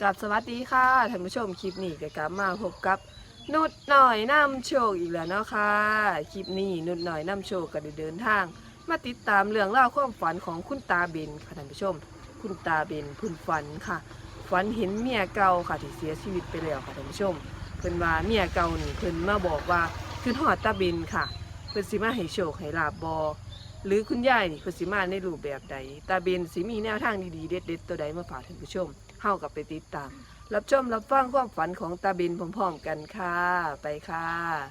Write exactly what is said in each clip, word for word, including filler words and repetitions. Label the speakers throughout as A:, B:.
A: กับสวัสดีค่ะท่านผู้ชมคลิปนี้ก็กลับมาพบกับนุดหน่อยนำโชคอีกแล้วเนาะค่ะคลิปนี้นุดหน่อยนำโชคก็ได้เดินทางมาติดตามเรื่องเล่าวความฝันของคุณตาเบนค่ะท่านผู้ชมคุณตาเบนเพิ่นฝันค่ะฝันเห็นเมียเก่าค่ะที่เสียชีวิตไปแล้วค่ะท่านผู้ชมเพิ่นว่าเมียเก่านี่เพิ่นมาบอกว่าคือฮอดตาเบนค่ะเพิ่นสิมาให้โชคให้ลาบบ่หรือคุณยายนี่เพิ่นสิมาในรูปแบบใดตาเบนสิมีแนวทางดีๆเด็ดๆตัวใดมาฝากท่านผู้ชมเฮากับไปติดตามรับชมรับฟังความฝันของตาเบนพร้อมๆกันค่ะไปค่ะ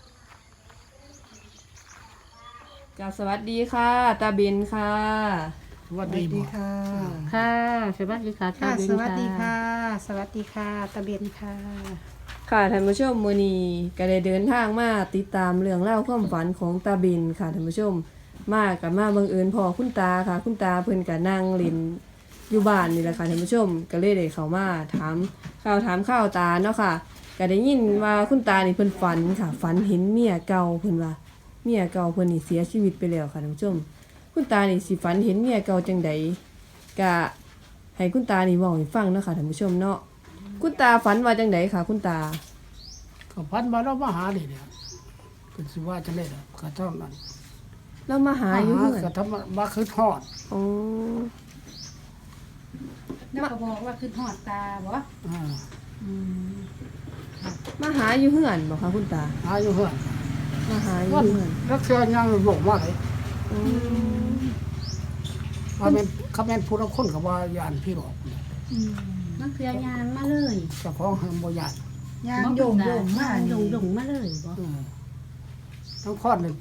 A: กราบสวัสดีค่ะตาเบนค่ะ
B: สวัสดีบ่
C: ค่ะ
D: ค่ะสวัสดีค่ะ
C: ค่ะ
D: ตาเบน
C: สวัสดีค่ะ สวัสดีค่ะ ตะเบนค่ะ
A: ค่ะท่านผู้ชมมื้อนี้ก็ได้เดินทางมาติดตามเรื่องเล่าวความฝันของตาเบนค่ะท่านผู้ชมมากับมาบังเอิญพอคุณตาค่ะ คุณตาเพิ่นก็นั่งเล่นอยู่บ้านนี่แหละค่ะท่านผู้ชมก็เลยได้เข้ามาถามข่าวถามข่าวตาเนาะค่ะก็ได้ยินว่าคุณตานี่เพิ่นฝันค่ะฝันเห็นเมียเก่าเพิ่นว่าเมียเก่าเพิ่นนี่เสียชีวิตไปแล้วค่ะท่านผู้ชมคุณตานี่สิฝันเห็นเมียเก่าจังใดก็ให้คุณตานี่เว้าให้ฟังเนาะค่ะท่านผู้ชมเนาะคุณตาฝันว่าจังใดค่ะคุณตา
B: ก็พันมาแล้วมาหาดิเนี่ยเป็นสิว่าจะเล่นอะก็เท่านั้น
A: เรามาหาอยู่
B: หา
A: เพื่อน
B: ก็ทำมาคือทอด
A: อ๋อ
C: แล้วก็บอกว่าคือหอดตาบ่
B: อ่า
C: อืม
A: มาหาอยู่เพื่อนบอกค่ะคุณตา
B: หาอยู่เฮือน
A: มาหาอยู่
B: วัน
A: เพื่อน
B: รักเสียยังหลงมาเลย
A: อืม
B: ว่าแม่นเขาแม่นผู้ละคนกับว่ายานพี่หลอกเนี่ย
C: อืม
D: มันคือยางมาเลย
B: เจ้าของเฮาบ่ยาน
C: ยางโยงโยงมา
D: โย
C: นี่
D: งโยงมาเลยบ่
B: เออทั้งคอนนี่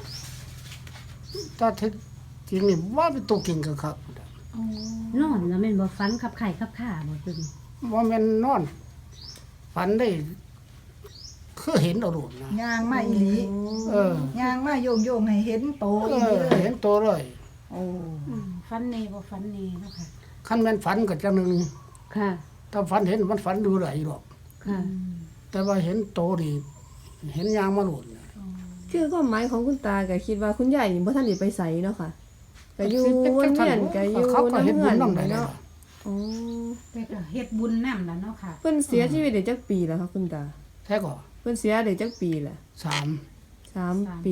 B: ถ้าที่จริงนี่ว่าเป็นตัวเก่งก็ครับ
C: โอ้
D: นอนแล้วแม่นบ่ฟันขับไข่ขับข่าบ่ตึง
B: ว่าแม่นนอน ฝันได้คือเห็นเอาโดดนะ
C: ยางมาอีหลี
B: เออ
C: ยางมาโยงโยงให้เห็นโต
B: เอ
C: อีหลี
B: อ
C: เลย
B: เห็นตัวเลย
C: โอ้
D: ฟันเนบ่ฟันเนเนาะค่ะ
B: คันแม่นฝันก็จังหนึง
D: ค่ะ
B: ถ้าฝันเห็นมันฝันดูไหลหรอก
D: ค่ะ
B: แต่ว่าเห็นโตนี่เห็นยางมาหลุดน่ะ
A: คือความหมายของคุณตาก็คิดว่าคุณยายนี่บ่ทันได้ไปไสเนาะค่ะก็อยู่วนเวียนก็อยู่
B: เขาก็เห็น
A: น้ำ
B: บุ
A: เงิ
B: ญ
A: น
B: น้ำไหนเนาะ
A: เนาะอ๋อ
C: ไปก็เฮ็ดบุญนำแล้วเนาะค่ะ
A: เพิ่นเสียชีวิตได้จักปีแล้วค่ะคุณตา
B: แท้ก็
A: เพิ่นเสียได้จักปีแหละ
B: สาม
A: สามปี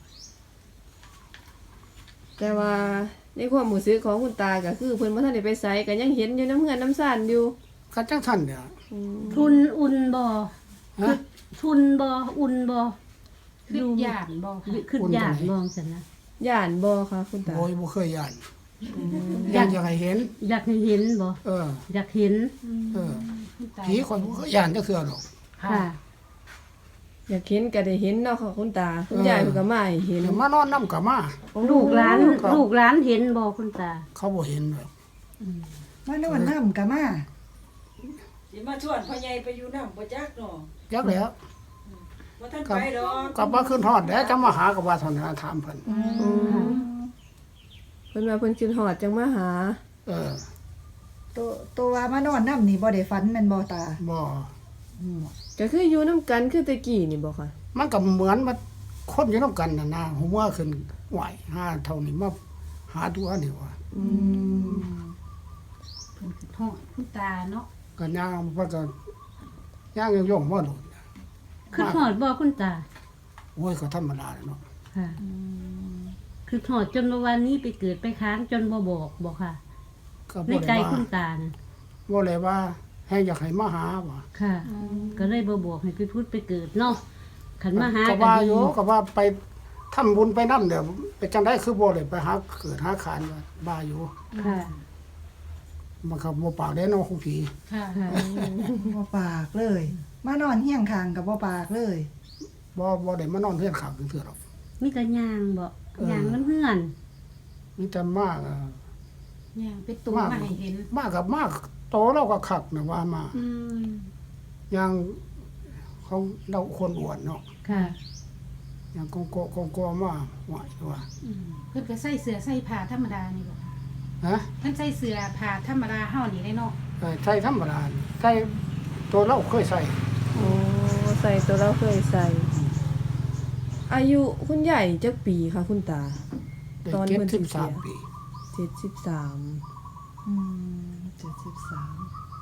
A: แต่ว่าในความรู้สึกของคุณตาก็คือเพิ่นบ่ทันได้ไปไสก็ยังเห็นอยู่น้ำเงินน้ำซ่านอยู่
B: กันจังท่านเนี่ย
A: อืม
D: ทุนอุ่นบ่
B: ฮะ
D: ทุนบ่อุ่นบ่
C: คือหยานบ่ค่ะ
D: ขึ้นยานบ่ซั่นนะ
A: ย่านบ่ค่ะคุณตา
B: โอยบ่เคยยานยานอยากให้เห็น
D: อยากให้เห็นบ่
B: เออ
D: อยากเห็น
B: เออ
C: คุณตา
B: ผีคนบ่เคยยานจักเทื่อหรอก
D: ค่ะ
A: อยากเห็นก็ได้เห็นเนาะค่ะคุณตาคุณยายเพิ่นก็มาให้เห็น
B: เดี๋ยวมานอนนำก็มา
D: ลูกหลาน
B: ครับ
D: ลูกหลานเห็นบ่คุณตา
B: เขาบ่เห็นหรอก
C: มานอนน้ำก็มา
E: สิมาชวนพ่อใหญ่ไปอยู่น้ำบ่จักเนาะ
B: จักแล้ว
E: บ่ทัน
B: กลับ
E: ไปดอก
B: กลับมาขึ้นฮอดแล้วจะมาหากับว่าเท่านั้นถามเพิ่น
C: อืม
A: เพิ่นว่าเพิ่นคิดฮอดจังมาหา
B: เออ
C: ตัวตัวว่ามานอนน้ำนี่บ่ได้ฝันแม่นบ่ตา
B: บ่
A: ก็คืออยู่น้ำกันคือแตะกี้นี่บ่ค่ะ
B: มันก็เหมือนมาคนอยู่นํกันน่ะนะหัวขึ้นไหวหาเท่านี้มาหาตัวนี่ว่า
A: อืม
C: เพิ่นคือหอดคุณตาเนาะ
B: ก็ย่างมันก็ย่างย่องๆว่าโดด
D: ขึ้นหอดบ่คุณตา
B: โอ้ยก็ธรรมดาเนาะ
D: ค่ะคือหอดจนเมื่อวานนี้ไปเกิดไปค้างจนบ่บอกบอกค่ะ
B: ก็
D: ใน
B: บ่
D: ใจ
B: ได้ว่า
D: คุณตานะ
B: บ่เลยว่าให้อยากให้มาหาว่ะ
D: ค่ะ ก็เลยบ่บอกให้ไปพูดไปเกิดเนาะขันมาหา
B: ก็
D: กัน
B: ว่า
D: ดี
B: อยู่ก็ว่าไปทำบุญไปนำเดี๋ยวไปจังได๋คือบ่ได้ไปหาเกิดหาขานว่าบ้าอยู่
D: ค่ะ
B: มันก็บ่ปากได้เนาะของผี
C: ค่ะ
D: ค่ะ
C: บ่ปากเลย มานอนเฮียงข้างกับบ่ปากเลย
B: บ่บ่ได้มานอนเฮือนข้างเทื่อหรอก
D: มีแต่ยางบ่
B: เออ
D: ยางน้ำเพื่อน
B: มีแต่มากอ่ะ
C: ย่างเป็นตัวมาให้เห็น
B: มากกับมากโตเราก็คักนะว่ามา
C: อืม
B: อย่างของเราคนอ้วนเนาะ
D: ค่ะ
B: อย่างกงโกกงโกมาไหวว่า
F: เพิ่นก็ใส่เสื้อใส่ผ้าธรรมดานี่บ่คะ
B: ฮะ
F: เพิ่นใส่เสื้อผ้าธรรมดาเฮานี่ได้เนาะ
B: เออใส่ธรรมดาใส่ตัวเราเคยใส่
A: โอ้ใส่ตัวเราเคยใส่ อายุคุณยายจักปีค่ะคุณตา
B: ได้
A: ตอน
B: เจ็ด
A: เพิ่นสิ
B: สิบ
A: เสี
B: สาย มปี
A: เจ็ดสิบสาม
C: อืมเจ็ดสิบสาม
B: เ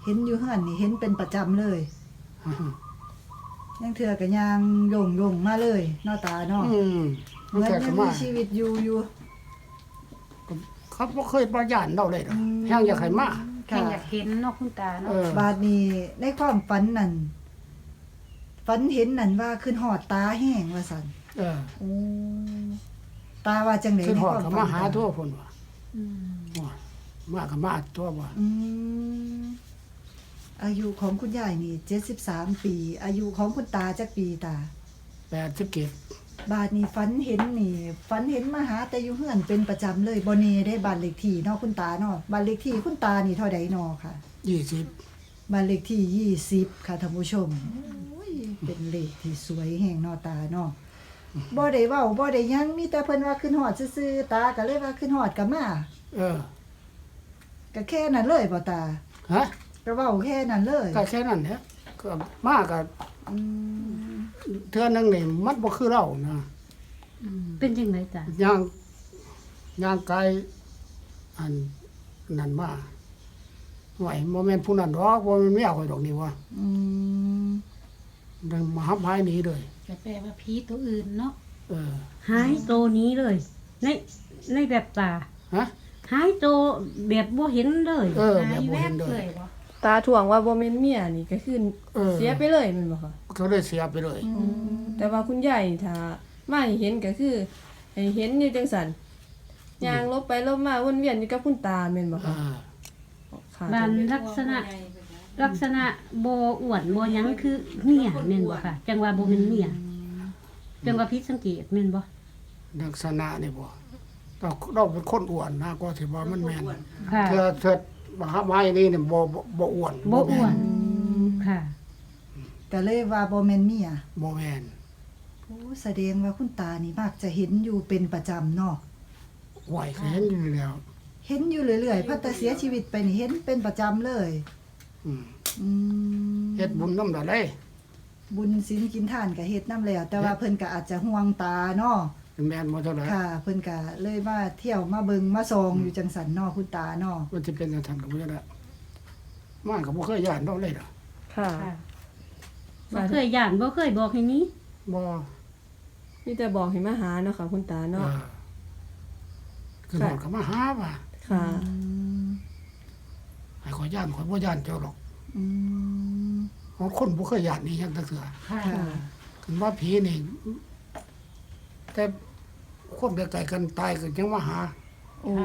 C: เห็นอยู่เฮือนนี่เห็นเป็นประจำเลยยังเถื่อก็ย่างโยงๆมาเลยเนาะตาเนาะ
B: อืม
C: เหมือน
B: แต่
C: ยั
B: ก็
C: ง
B: มา
C: มีชีวิตอยู่อยู่
B: เขาบ่เคยประยานเราเลยดอก
C: อืม
B: แฮงอยากให้มา
F: แค่อยากเห็นเนาะคุณตา
B: เอ
F: เนาะ
B: อบ
C: าดนี้ในความฝันนั่นฝันเห็นนั่นว่าขึ้นหอดตาแห้งว่าซั่น
B: เออ
C: โอ้ตาว่าจังได๋
B: คือ
C: ใน
B: ฮอ
C: ค
B: ด
C: วาม
B: ก็
C: ฝัน
B: มาหาทั่วพุ่นว่า
F: อืม
B: ว่ามาก็มาตัวว่า
C: อืมอายุของคุณยายนี่เจ็ดสิบสามปี อายุของคุณตาจักปีตา
B: แปดสิบเจ็ด
C: บาดนี้ฝันเห็นนี่ฝันเห็นมาหาแต่อยู่เฮือนเป็นประจำเลยบ่แน่ได้บ้านเลขที่เนาะคุณตาเนาะบ้านเลขที่คุณตานี่เท่าใดเนาะค่ะ
B: ยี่สิบ
C: บ้านเลขที่ยี่สิบค่ะท่านผู้ชมโอ้ยเป็นเลขที่สวยแห่งเนาะตาเนาะบ่ได้เว้าบ่ได้หยังมีแต่เพิ่นว่าขึ้นฮอดซื่อๆตาก็เลยว่าขึ้นฮอดก็มา
B: เออ
C: ก็แค่นั้นเลยบ่ตา
B: ฮะ
C: ก็เว้าแค่นั้นเลย
B: ก็แค่นั้นแหละก็มาก็
C: อืม
B: เทื่อนึงนี่มันบ่คือเรานะ
D: เป็นจังไดจ้ะ
B: ย่างย่างไกลอันนั่นมาไหวบ่แม่นผู้นั้นดอกบ่แม่นเมียข่อยดอกนี่ว่า
C: อืม
B: ดังมาหับหายหนีเลย
F: ก็แปลว่าผีตัวอื่นเนาะ
B: เออ
D: หายโตนี้เลย ในในแบบตา
B: ฮะ
D: หายโตแบบบ่เห็นเลย
B: เออ
F: หา
B: แบบ
F: ย
B: บ่
F: แว
B: เห็
F: บ
B: นเล
F: เลย ยบ่
A: ตาถ่วงว่าบ่แม่นเมียนี่ก็คือ
B: เออ
A: เสียไปเลยแม่นบ่คะ
B: ก็เลยเสียไปเลย
A: แต่ว่าคุณยายนี่ถ้ามาให้เห็นก็คือให้เห็นอยู่จังซั่นย่างลบไปลบมาวนเวียนอยู่กับคุณตาแม่นบ่
B: อ่า
A: คะค่ะ
D: บ้านลักษณะ ลักษณะบ่อ้วนบ่หยังคือเมียแม่นบ่ค่ะ จังว่าบ่แม่นเมียจังว่าผิดสังเกตแม่นบ่
B: ลักษณะนี่บ่เราเราเป็นคนอ้วนนะก็สิว่ามันแม่น
D: ค่ะ
B: เทื่อเทื่อมาหับหายนี่นี่บ่บ่บ่อ้วน
D: บ่อ้
B: แม่
D: วน ค่ะ
C: ก็เลยว่าบ่แม่นเมีย
B: บ่แม่น
C: โอ้แสดงว่าคุณตานี่มักจะเห็นอยู่เป็นประจำเนาะ
B: ไหวก็เห็นอยู่แล้ว
C: เห็นอยู่เรื่อยๆพัดแต่เสียชีวิตไปนี่เห็นเป็นประจำเลย
B: อืม
C: อืม
B: เฮ็ดบุญนำได้
C: บุญศีลกินทานก็เฮ็ดนำแล้ว แต่ว่าเพิ่นก็อาจจะห่วงตาเนาะ
B: แม่นบ่เท่าไหร่
C: ค่ะ เพิ่นก็เลยมาเที่ยวมาเบิงมาส่องอยู่จังสันเนาะคุณตาเนาะ
B: มันสิเป็นจังซั่นก็บ่ได้มาก็บ่เคยย่านดอกเลยล่ะ
A: ค่ะ
D: ค่ะบ่เคยย่านบ่เคยบอกให้หนี้
B: บ่
A: มีแต่บอกให้มาหาเนาะค่ะคุณตา
B: เอ
A: เนาะ
B: อคือบอกก็มาหาว่า
A: ค่ะ
C: อืม
B: ให้ข่อยย่านข่อยบ่ย่านเจ้าหรอก
C: อืม
B: เพราะคนบ่เคยย่านนี่ยังจักเทื่อ
F: ค่ะ
C: ค่ะ
B: คือว่าผีนี่ แต่คนไกลๆกันตายก็ยังมาหา
C: โอ้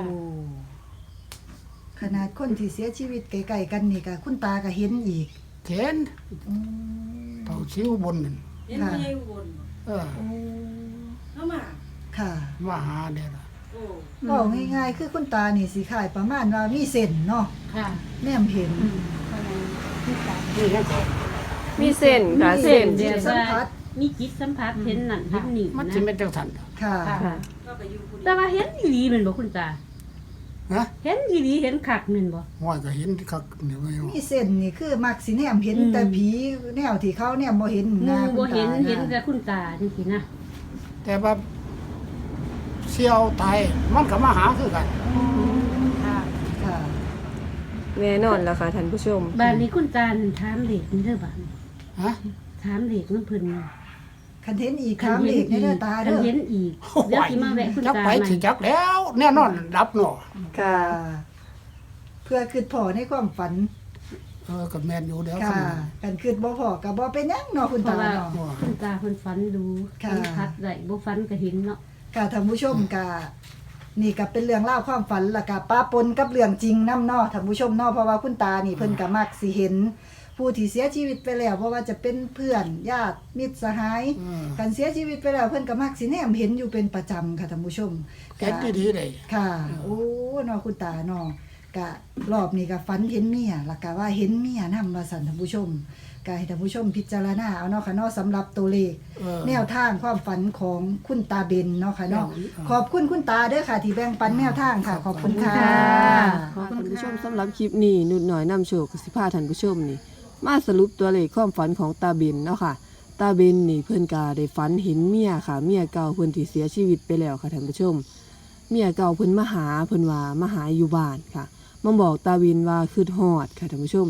C: ขนาดคนที่เสียชีวิตไกลๆกันนี่ก็คุณตาก็เห็นอีก
B: เห็น
C: อืม
B: เต่าชิวบนนั่น
E: เห็นผู้ใหญ่อุบล
B: เออ
C: โอ้
E: เข้ามา
C: ค่ะ
B: มาหาเด้ล่ะ
E: โอ้
C: ก็ง่ายๆคือคุณตานี่สิขายประมาณว่ามีเส้นเนาะ
F: ค่ะ
C: แนมเห็น
F: เพราะฉะนั้นคุณตา
B: นี่แค่ก็
A: มีเส้นค่ะ
D: มี
A: เส้น
D: เดี
C: จิ
D: ยว
C: ตสัมผัส
D: มีจิตสัมผัสเห็นนั่นเห็นนี่
B: มัน
D: นะ
B: สิเป็นจังซั่น
C: ค่ะ
A: ค่ะ
E: ก็ไปอยู่ผู้เดี
D: แต่
E: ยว
D: ว่าเห็นอีหลีแม่นบ่คุณตา
B: ฮะ
D: เห็นอีหลีเห็นคักแม่นบ่
B: ห้อยก็เห็นคักนี่ว่าอยู่
C: มีเส้นนี่คือมักสิแนมเห็น
D: อืม
C: แต่ผีแนวที่เขาแนมบ่เห็น
D: หมู่
C: นะ
D: บ่เห็น
C: คุณตาะ
D: เห็นแต่คุณตาจังซี่นะ
B: แต่ว่าเสี่ยวตายมันก็มาหาคือกัน
F: ค่ะ
C: ค่ะ
A: แน่นอนแล้วค่ะท่านผู้ชม
D: บ้านนี้คุณตานั่นถามเด็กนี่เด้อบ้าน
B: ฮะ
D: ถามเด็กนำเพิ่นน่ะ
C: คันเห็นอีกครั้งเลขในเด้อตา
D: คั
C: เด้
D: น
C: อ
D: เห็นอีกเดี๋ยวสิมาแวะคุณ
B: จัก
D: ตา
B: ไป
D: ใหม่
B: สิจักแล้ว แน่นอนรับเนาะ
A: ค่ะ
C: เพื่อคิดพอในความฝัน
B: เออก็แม่นอยู่เดี๋ยว
C: ค่ะ
B: คัน
C: กันคิดบ่พอก็บ่เป็นหยังเนาะคุณ
D: เพราะ
C: ตา
D: ว่า
C: เนาะ
D: คุณตาเพิ่นฝันดู
C: ค่ะ
D: สัมผัสได้บ่ฝันก็เห็นเนาะ
C: ค่ะท่านผู้ชมก็นี่ก็เป็นเรื่องเล่าวความฝันแล้วก็ป้าปนกับเรื่องจริงนำเนาะท่านผู้ชมเนาะเพราะว่าคุณตานี่เพิ่นก็มักสิเห็น ผู้ที่เสียชีวิตไปแล้วเพราะว่าจะเป็นเพื่อนญาติมิตรสหาย
B: เออ
C: กันเสียชีวิตไปแล้วเพิ่นก็มักสิแนมเห็นอยู่เป็นประจำค่ะท่านผู้ชม
B: เห็นดีๆเลย
C: ค่ะ โอ้เนาะคุณตาเนาะกะรอบนี้ก็ฝันเห็นเมียแล้วก็ว่าเห็นเมียนำว่าสั่นท่านผู้ชมก็ให้ท่านผู้ชมพิจารณาเอาเนาะค่ะเนาะสำหรับตัวเลข
B: เออ
C: แนวทางความฝันของคุณตาเบนเนาะค่ะเนาะ
B: เออ
C: ขอบคุณคุณตาเด้อค่ะ ที่แบ่งปันแนวทางค่ะ ขอบคุณค่ะ
A: ขอบคุณท่านผู้ชมสำหรับคลิปนี้นุดหน่อยนำโชคกสิพาท่านผู้ชมนี่ มาสรุปตัวเลขความฝันของตาเบนเนาะค่ะ ตาเบนนี่เพิ่นกาได้ฝันเห็นเมียค่ะ เมียเก่าเพิ่นที่เสียชีวิตไปแล้วค่ะท่านผู้ชม เมียเก่าเพิ่นมาหาเพิ่นว่ามาหาอยู่บ้านค่ะมาบอกตาเบนว่าคือฮอดค่ะท่านผู้ชม ต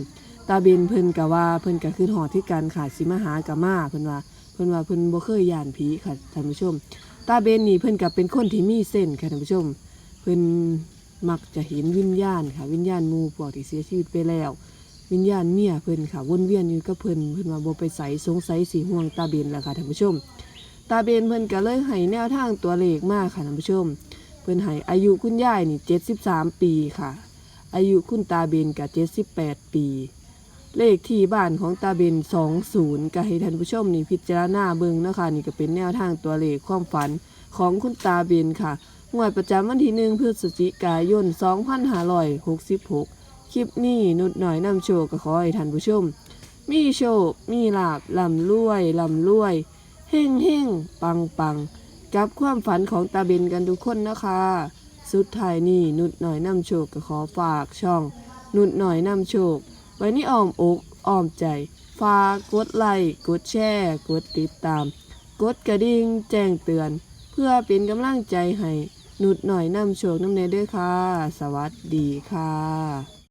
A: ตาเบนเพิ่นก็ว่าเพิ่นก็คือหอดที่กันค่ะสิมาหากะมาเพิ่นว่าเพิ่นว่าเพิ่นบ่เคยย่านผีค่ะท่านผู้ชมตาเบนนี่เพิ่นก็เป็นคนที่มีเส้นค่ะท่านผู้ชมเพิ่นมักจะเห็นวิญญาณค่ะวิญญาณหมู่พวกที่เสียชีวิตไปแล้ววิญญาณเมียเพิ่นค่ะวนเวียนอยู่กับเพิ่นเพิ่นว่าบ่ไปไสสงสัยสิห่วงตาเบนล่ะค่ะท่านผู้ชมตาเบนเพิ่นก็เลยให้แนวทางตัวเลขมาค่ะท่านผู้ชมเพิ่นให้อายุคุณยายนี่เจ็ดสิบสามปีค่ะอายุคุณตาเบนก็เจ็ดสิบแปดปีเลขที่บ้านของตาเบนสองสิบก็ให้ท่านผู้ชมนี่พิจารณาเบิ่งนะคะนี่ก็เป็นแนวทางตัวเลขความฝันของคุณตาเบนค่ะงวดประจำวันที่หนึ่งพฤศจิกายนสองพันห้าร้อยหกสิบหกคลิปนี้นุดหน่อยนำโชคก็ขอให้ท่านผู้ชมมีโชคมีลาภร่ำรวยร่ำรวยเฮ่งเฮ่งปังปังกับความฝันของตาเบนกันทุกคนนะคะสุดท้ายนี้นุดหน่อยนำโชคก็ขอฝากช่องนุดหน่อยนำโชคไว้ในอ้อมอกอ้อมใจฝากกดไลค์กดแชร์กดติดตามกดกระดิ่งแจ้งเตือนเพื่อเป็นกำลังใจให้นุดหน่อยนำโชคนำเนยด้วยค่ะสวัสดีค่ะ